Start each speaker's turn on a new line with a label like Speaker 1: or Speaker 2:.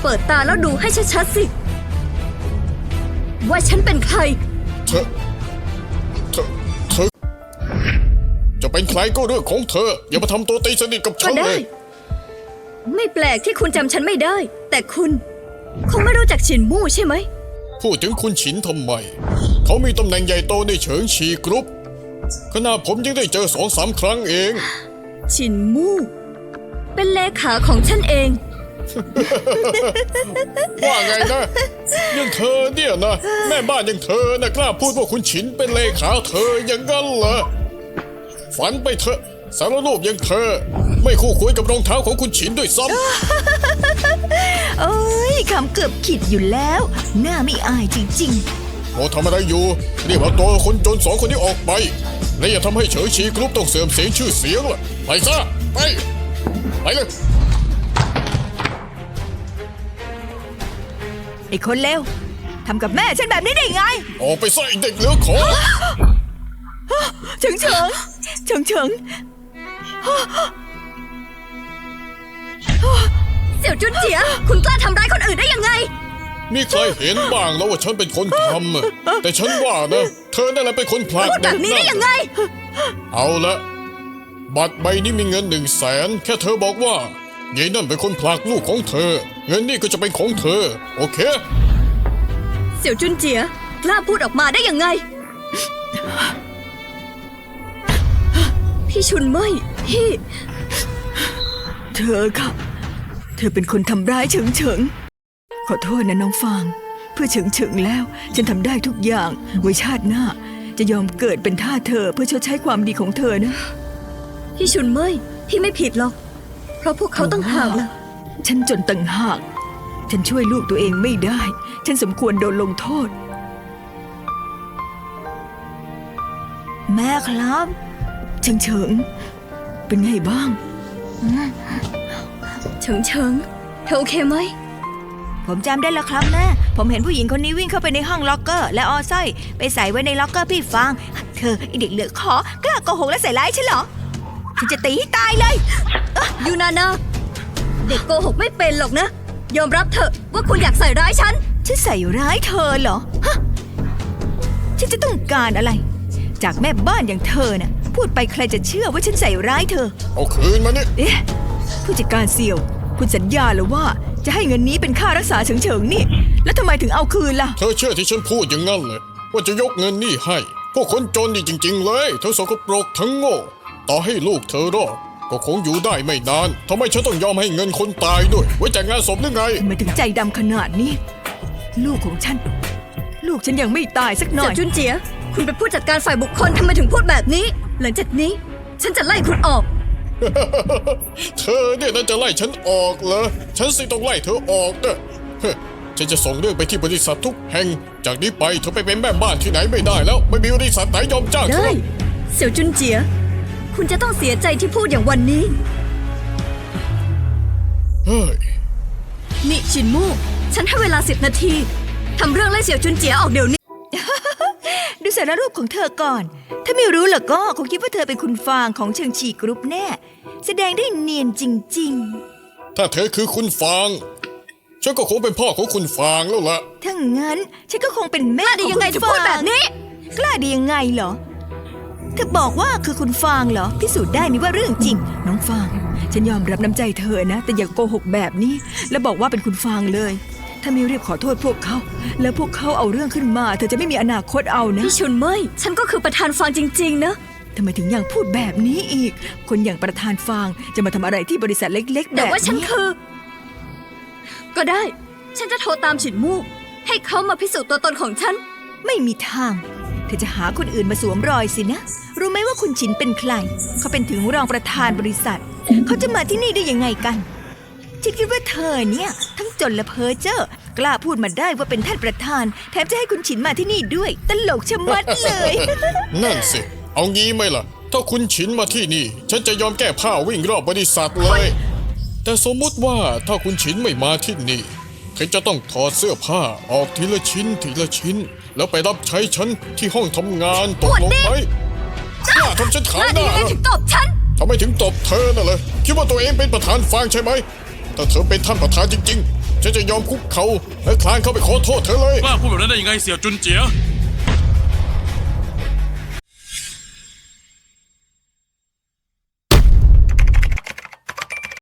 Speaker 1: เปิดตาแล้วดูให้ชัดๆสิว่าฉันเป็นใคร
Speaker 2: เธอจะเป็นใครก็เรื่องของเธออย่ามาทำตัวตีสนิทกับฉันเลย
Speaker 1: ไม่แปลกที่คุณจำฉันไม่ได้แต่คุณคงไม่รู้จักฉินมู่ใช่ไหม
Speaker 2: พูดถึงคุณฉินทำไมเขามีตำแหน่งใหญ่โตในเฉิงชีกรุ๊ปขณะผมยังได้เจอ2-3 ครั้งเอง
Speaker 1: ฉินมู่เป็นเลขาของฉันเอง
Speaker 2: ว่าไงนะยังเธอเนี่ยนะแม่บ้านยังเธอนะกล้าพูดว่าคุณฉินเป็นเลขาเธออย่างนั้นเหรอฝันไปเถอะสารรูปยังเธอไม่คู่ควรกับรองเท้าของคุณฉินด้วยซ้
Speaker 3: ำโอ้ยคำเกือบขิดอยู่แล้วหน้าไม่อายจริง
Speaker 2: ๆโอ้ทำอะไรอยู่รีบเอาตัวคนจน2 คนนี้ออกไปและอย่าทำให้เฉิงชีกรุ๊ปต้องเสื่อมเสียชื่อเสียงล่ะไปซะไปเลย
Speaker 3: ไอ้คนเลวทำกับแม่ฉันแบบนี้ได้ไง
Speaker 2: ออกไปซะไอ้เด็กเหลือขอ
Speaker 3: เฉิงเ
Speaker 1: สี่ยวจุนเจียคุณกล้าทำร้ายคนอื่นได้ยังไง
Speaker 2: มีใครเห็นบ้างแล้วว่าฉันเป็นคนทำแต่ฉันว่านะเธอนั่นแหละเป็นคนผลักเด็ก
Speaker 1: นั่นแบบนี้ได้ยังไง
Speaker 2: เอาละบัตรใบนี้มีเงิน100,000แค่เธอบอกว่ายายนั่นเป็นคนผลักลูกของเธอเงินนี่ก็จะเป็นของเธอโอเค
Speaker 1: เสี่ยวจุนเจียกล้าพูดออกมาได้ยังไงพี่ชุนเมยพี่
Speaker 3: เธอค่ะเธอเป็นคนทำร้ายเฉิงขอโทษนะน้องฟางเพื่อเฉิงแล้วฉันทำได้ทุกอย่างไว้ชาติหน้าจะยอมเกิดเป็นทาสเธอเพื่อชดใช้ความดีของเธอนะ
Speaker 1: พี่ชุนเมยพี่ไม่ผิดหรอกเพราะพวกเขาต้องหากล่ะ
Speaker 3: ฉันจนต่างหากฉันช่วยลูกตัวเองไม่ได้ฉันสมควรโดนลงโทษแม่ครับเฉิงเป็นไงบ้าง
Speaker 1: เฉิงเธอโอเคไหม
Speaker 3: ผมจำได้แล้วครับแม่ผมเห็นผู้หญิงคนนี้วิ่งเข้าไปในห้องล็อกเกอร์และเอาสร้อยไปใส่ไว้ในล็อกเกอร์พี่ฟางเธอไอเด็กเหลือขอกล้าโกหกและใส่ร้ายฉันเหรอฉันจะตีให้ตายเลย
Speaker 1: ยูนานาเด็กโกหกไม่เป็นหรอกนะยอมรับเถอะว่าคุณอยากใส่ร้ายฉัน
Speaker 3: ใส่ร้ายเธอเหรอฮะฉันจะต้องการอะไรจากแม่บ้านอย่างเธอน่ะพูดไปใครจะเชื่อว่าฉันใส่ร้ายเธอ
Speaker 2: เอาคืนมานี่
Speaker 3: ผู้จัดการเสี่ยวคุณสัญญาหรือว่าจะให้เงินนี้เป็นค่ารักษาเฉิงนี่แล้วทำไมถึงเอาคืนล่ะ
Speaker 2: เธอเชื่อที่ฉันพูดอย่างนั้นเลยว่าจะยกเงินนี่ให้พวกคนจนนี่จริงๆเลยเธอสกปรกทั้งโง่ต่อให้ลูกเธอรอดก็คงอยู่ได้ไม่นานทำไมฉันต้องยอมให้เงินคนตายด้วยไว้แต่งงานศพหรือไง
Speaker 3: ทำไมถึงใจดำขนาดนี้ลูกของฉันลูกฉันยังไม่ตายสักหน่อย
Speaker 1: เสี่ยวจุนเจียคุณเป็นผู้จัดการฝ่ายบุคคลทำไมถึงพูดแบบนี้หลังจากนี้ฉันจะไล่คุณออก
Speaker 2: เธอเนี่ยน่าจะไล่ฉันออกเหรอฉันสิต้องไล่เธอออกเด้อฉันจะส่งเรื่องไปที่บริษัททุกแห่งจากนี้ไปเธอไปเป็นแม่บ้านที่ไหนไม่ได้แล้วไม่มีบริษัทไหนยอมจ้างเธอ
Speaker 1: ได้เสี่ยวจุนเจียคุณจะต้องเสียใจที่พูดอย่างวันนี้
Speaker 2: เฮ้ย
Speaker 1: นี่ชินมู่ฉันให้เวลา10 นาทีทำเรื่องไล่เสี่ยวจุนเจียออกเดี๋ยวนี้
Speaker 3: ดูสารรูปของเธอก่อนถ้าไม่รู้ล่ะก็คงคิดว่าเธอเป็นคุณฟางของเฉิงชีกรุ๊ปแน่แสดงได้เนียนจริง
Speaker 2: ๆถ้าเธอคือคุณฟางฉันก็คงเป็นพ่อของคุณฟางแล้วล่ะ
Speaker 3: ถ้างั้นฉันก็คงเป็นแม่
Speaker 1: ของคุณฟางกล้าดียังไงจะพูดแบบนี้
Speaker 3: กล้าดียังไงเหรอเธอบอกว่าคือคุณฟางเหรอพิสูจน์ได้นี่ว่าเรื่องจริงน้องฟางฉันยอมรับน้ำใจเธอนะแต่อย่าโกหกแบบนี้แล้วบอกว่าเป็นคุณฟางเลยถ้าไม่รีบขอโทษพวกเขาแล้วพวกเขาเอาเรื่องขึ้นมาเธอจะไม่มีอนาคตเอานะ
Speaker 1: พี่ชุนเมยฉันก็คือประธานฟางจริงๆนะ
Speaker 3: ทำไมถึงยังพูดแบบนี้อีกคนอย่างประธานฟางจะมาทำอะไรที่บริษัทเล็กๆแบบนี้
Speaker 1: แต่ว่าฉันคือก็ได้ฉันจะโทรตามฉินมู่ให้เขามาพิสูจน์ตัวตนของฉัน
Speaker 3: ไม่มีทางเธอจะหาคนอื่นมาสวมรอยสินะรู้ไหมว่าคุณฉินเป็นใครเขาเป็นถึงรองประธานบริษัทเขาจะมาที่นี่ได้ยังไงกันฉันคิดว่าเธอเนี่ยทั้งจนและเพ้อเจ้อกล้าพูดมาได้ว่าเป็นท่านประธานแถมจะให้คุณฉินมาที่นี่ด้วยตลกชะมัดเลย
Speaker 2: นั่นสิเอางี้ไหมล่ะถ้าคุณฉินมาที่นี่ฉันจะยอมแก้ผ้าวิ่งรอบบริษัทเลยแต่สมมติว่าถ้าคุณฉินไม่มาที่นี่ฉันจะต้องถอดเสื้อผ้าออกทีละชิ้นแล้วไปรับใช้ฉันที่ห้องทำงานตกลงไหมกล้าทำฉันขายหน้าเหรอ
Speaker 1: ถึงตบฉัน
Speaker 2: ทำไมถึงตบเธอน่ะเลยคิดว่าตัวเองเป็นประธานฟางใช่ไหมถ้าเธอเป็นท่านประธานจริงๆฉันจะยอมคุกเขาและคลานเข้าไปขอโทษเธอเลย
Speaker 4: กล้าพูดแบบนั้นได้ยังไงเสี่ยวจุนเจีย